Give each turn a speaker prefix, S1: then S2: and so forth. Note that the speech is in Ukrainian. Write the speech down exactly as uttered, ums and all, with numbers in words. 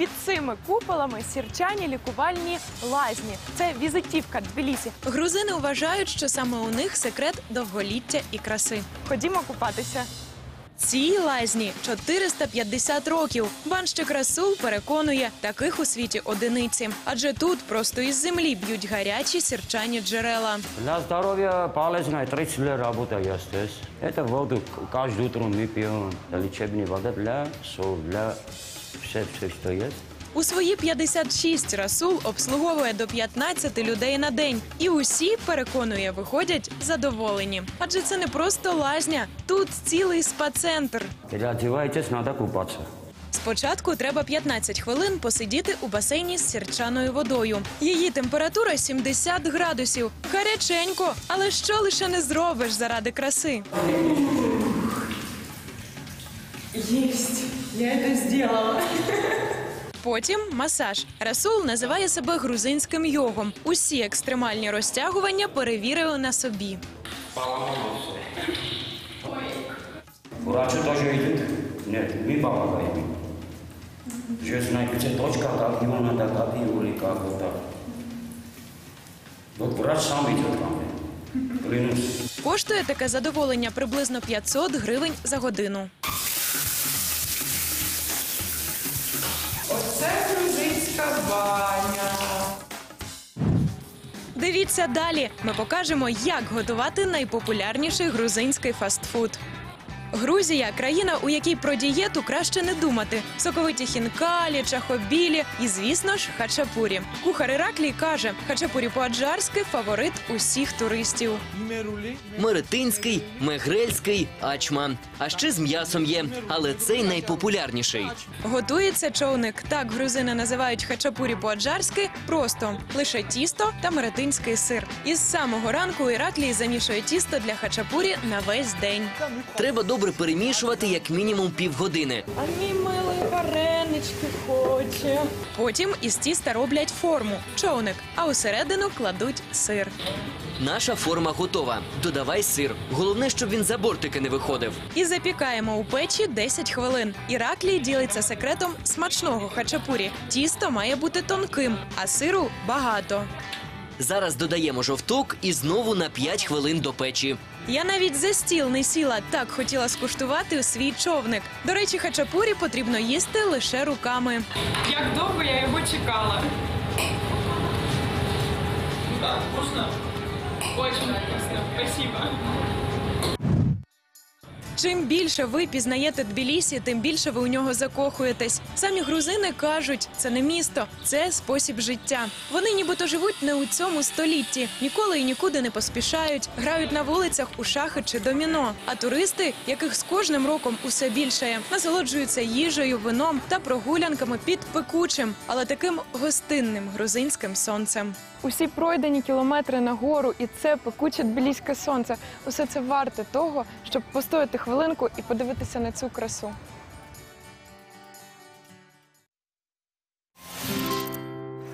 S1: Під цими куполами сірчані лікувальні лазні. Це візитівка Тбілісі.
S2: Грузини вважають, що саме у них секрет довголіття і краси.
S1: Ходімо купатися.
S2: Цій лазні чотириста п'ятдесят років. Банщик Расул переконує, таких у світі одиниці. Адже тут просто із землі б'ють гарячі сірчані джерела.
S3: Для здоровья полезно, тридцать лет работаю я здесь. Это воду каждое утро мы пьем. Лечебная вода для сол, для все, все, что есть.
S2: У свої п'ятдесят шість Расул обслуговує до п'ятнадцяти людей на день. І усі, переконує, виходять задоволені. Адже це не просто лазня, тут цілий спа-центр.
S3: Переодевайтесь, надо купаться.
S2: Спочатку треба п'ятнадцять хвилин посидіти у басейні з сірчаною водою. Її температура сімдесят градусів. Гаряченько, але що лише не зробиш заради краси.
S1: Єсть! Я це зробила.
S2: Потім масаж. Расул називає себе грузинським йогом. Усі екстремальні розтягування перевірили на собі.
S3: Врачи тоже идут? Нет, мы помогаем. Же знаете, где точка, как его надо, как его или как вот так. Вот врач сам идет ко мне. Клянусь.
S2: Коштує таке задоволення приблизно п'ятсот гривень за годину.
S1: Оце грузинська баня.
S2: Дивіться далі. Ми покажемо, як готувати найпопулярніший грузинський фастфуд. Грузія – країна, у якій про дієту краще не думати. Соковиті хінкалі, чахобілі і, звісно ж, хачапурі. Кухар Іраклій каже, хачапурі по-аджарськи – фаворит усіх туристів.
S4: Меретинський, мегрельський, ачма. А ще з м'ясом є, але цей найпопулярніший.
S2: Готується човник. Так грузини називають хачапурі по-аджарськи просто. Лише тісто та меретинський сир. Із самого ранку Іраклій замішує тісто для хачапурі на весь день.
S4: Треба добре перемішувати як мінімум півгодини.
S1: А мій милий варенички хоче.
S2: Потім із тіста роблять форму – човник, а усередину кладуть сир.
S4: Наша форма готова. Додавай сир. Головне, щоб він за бортики не виходив.
S2: І запікаємо у печі десять хвилин. Іраклій ділиться секретом смачного хачапурі. Тісто має бути тонким, а сиру – багато.
S4: Зараз додаємо жовток і знову на п'ять хвилин до печі.
S2: Я навіть за стіл не сіла, так хотіла скуштувати свій човник. До речі, хачапурі потрібно їсти лише руками.
S1: Як довго я його чекала. Да, вкусно. Очень вкусно. Спасибо.
S2: Чим більше ви пізнаєте Тбілісі, тим більше ви у нього закохуєтесь. Самі грузини кажуть, це не місто, це спосіб життя. Вони нібито живуть не у цьому столітті, ніколи і нікуди не поспішають, грають на вулицях у шахи чи доміно. А туристи, яких з кожним роком усе більшає, насолоджуються їжею, вином та прогулянками під пекучим, але таким гостинним грузинським сонцем.
S1: Усі пройдені кілометри нагору і це пекуче тбіліське сонце. Усе це варте того, щоб постояти хвилинку і подивитися на цю красу.